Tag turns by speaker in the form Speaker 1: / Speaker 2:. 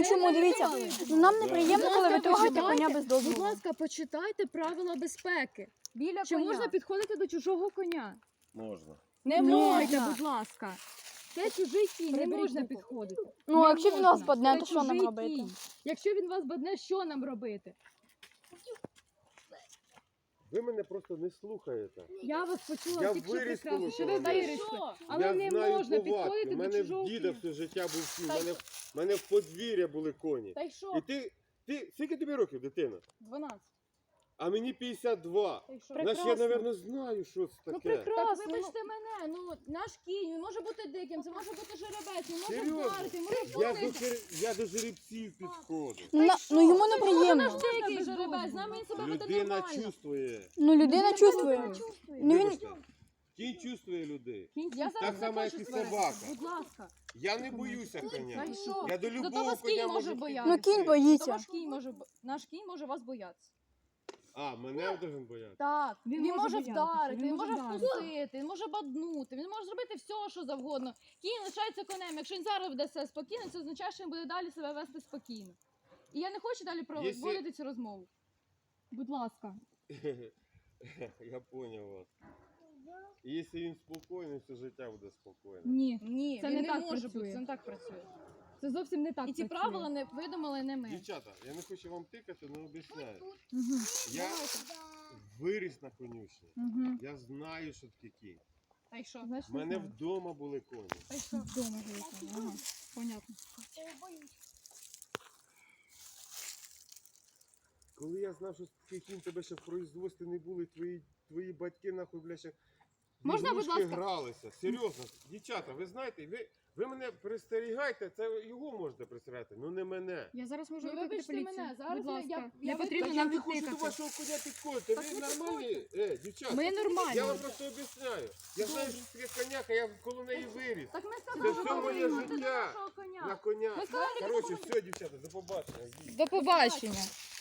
Speaker 1: Ну чому, дивіться, ну, нам неприємно, коли ви трогаєте коня без
Speaker 2: Будь
Speaker 1: дозволу.
Speaker 2: ласка, почитайте правила безпеки.
Speaker 3: Біля
Speaker 2: Чи
Speaker 3: коня.
Speaker 2: можна підходити до чужого коня?
Speaker 4: Можна.
Speaker 2: Не
Speaker 1: Ні.
Speaker 2: можна, будь ласка. Це чужий кінь, не
Speaker 3: Приберіть
Speaker 2: можна
Speaker 3: руку.
Speaker 2: підходити.
Speaker 1: Ну, а
Speaker 2: Не
Speaker 1: якщо він
Speaker 2: можна.
Speaker 1: вас бодне,
Speaker 2: Це
Speaker 1: то що нам
Speaker 2: чужий
Speaker 1: робити?
Speaker 2: кінь. Якщо він вас бодне, що нам робити?
Speaker 4: Ви мене просто не слухаєте.
Speaker 2: Я вас почула
Speaker 4: Я
Speaker 2: тільки що
Speaker 4: виріс
Speaker 2: прекрасно,
Speaker 4: тому,
Speaker 2: що
Speaker 4: що
Speaker 2: ви
Speaker 4: робити.
Speaker 2: вирішили. Але
Speaker 4: я
Speaker 2: не
Speaker 4: знаю
Speaker 2: можна
Speaker 4: повадки.
Speaker 2: підходити
Speaker 4: У
Speaker 2: до
Speaker 4: мене
Speaker 2: чужого
Speaker 4: в діда
Speaker 2: кінь.
Speaker 4: все життя був кінь. У мене в подвір'я були коні.
Speaker 3: Та й що?
Speaker 4: І ти, скільки тобі років, дитина?
Speaker 3: 12.
Speaker 4: А мені 52.
Speaker 3: Та й що?
Speaker 4: Значить, я, мабуть, знаю, що це
Speaker 2: Ну
Speaker 4: таке.
Speaker 2: прекрасно.
Speaker 3: Так вибачте мене, ну наш кінь, він може бути диким, це може бути жеребець, він може
Speaker 4: Серйозно?
Speaker 3: вдарити, він може
Speaker 4: Я
Speaker 3: вкусити.
Speaker 4: до жеребців підходжу.
Speaker 1: Ну йому
Speaker 3: Наш
Speaker 1: неприємно.
Speaker 3: дикий жеребець, з нами він себе веде
Speaker 4: Людина
Speaker 3: нормально.
Speaker 4: чувствує.
Speaker 1: Ну людина чувствує. Ну він...
Speaker 4: Вибачте, кінь чувствує людей.
Speaker 3: Я зараз
Speaker 4: Так само,
Speaker 3: не
Speaker 4: як
Speaker 3: хочу
Speaker 4: і
Speaker 3: сваритися.
Speaker 4: собака.
Speaker 2: Будь ласка.
Speaker 4: Я не боюся коня.
Speaker 3: Та й що?
Speaker 4: Я до
Speaker 3: Зато
Speaker 4: любого
Speaker 3: вас
Speaker 4: коня
Speaker 3: кінь може
Speaker 4: можу
Speaker 3: боятися.
Speaker 1: Ну кінь
Speaker 3: То
Speaker 1: боїться.
Speaker 3: ваш кінь може, наш кінь може вас боятися.
Speaker 4: А, мене должен боятися.
Speaker 3: Так,
Speaker 2: Він
Speaker 3: він
Speaker 2: може
Speaker 3: може
Speaker 2: боятися,
Speaker 3: вдарити,
Speaker 2: він
Speaker 3: він
Speaker 2: може
Speaker 3: може
Speaker 2: вдарити.
Speaker 3: вкусити, він може баднути, він може зробити все, що завгодно. Кінь лишається конем. Якщо він зараз веде себе спокійно, це означає, що він буде далі себе вести спокійно. І я не хочу далі проводити цю розмову.
Speaker 2: Будь ласка.
Speaker 4: Я понял вас. Якщо він спокійний, все життя буде спокійне.
Speaker 2: Ні.
Speaker 3: Ні,
Speaker 2: Це
Speaker 3: він
Speaker 2: не
Speaker 3: не
Speaker 2: так
Speaker 3: може
Speaker 2: працює.
Speaker 3: бути, це не так працює.
Speaker 2: Це зовсім не так
Speaker 3: І ці
Speaker 2: працює.
Speaker 3: правила не видумали не ми.
Speaker 4: Дівчата, я не хочу вам тикати, але об'ясняю.
Speaker 2: Мгм.
Speaker 4: Я виріс на конюшні.
Speaker 2: Мгм.
Speaker 4: Я знаю, що таке кінь.
Speaker 3: Та й що?
Speaker 2: Значить,
Speaker 4: У
Speaker 2: не
Speaker 4: мене
Speaker 2: знаю.
Speaker 4: вдома були коні.
Speaker 3: Та й що?
Speaker 2: Вдома живете. Ага. Понятно.
Speaker 4: Коли я знав, що такий кінь тебе ще в производстві не були, твої батьки нахуй, бля, ще в
Speaker 3: Можна, будь
Speaker 4: ігрушки
Speaker 3: ласка?
Speaker 4: гралися. Серйозно, дівчата, ви знаєте, ви мене пристерігайте, це його можете пристерігати, ну не мене.
Speaker 2: Я зараз можу
Speaker 3: Ну,
Speaker 2: викликати
Speaker 3: вибачте
Speaker 2: поліцію.
Speaker 3: мене, зараз
Speaker 2: Будь
Speaker 3: ми-
Speaker 2: ласка.
Speaker 3: я
Speaker 2: Не
Speaker 3: ви-
Speaker 2: потрібно
Speaker 4: Так я
Speaker 2: нам
Speaker 4: не хочу до
Speaker 2: тикати.
Speaker 4: вашого коня підходити.
Speaker 3: Так
Speaker 4: Ви
Speaker 3: ви
Speaker 4: нормальні? Дівчата.
Speaker 2: Ми
Speaker 4: Я
Speaker 2: нормальні.
Speaker 4: вам просто об'ясняю. Я знаю, що таке коняка, я коло неї виріс.
Speaker 3: Так ми
Speaker 4: Це
Speaker 3: сказали,
Speaker 4: все
Speaker 3: що
Speaker 4: моє
Speaker 3: ви до
Speaker 4: життя
Speaker 3: нашого коня.
Speaker 4: на коня.
Speaker 3: Ми сказали,
Speaker 4: Коротше, все, дівчата, до побачення.
Speaker 2: До побачення.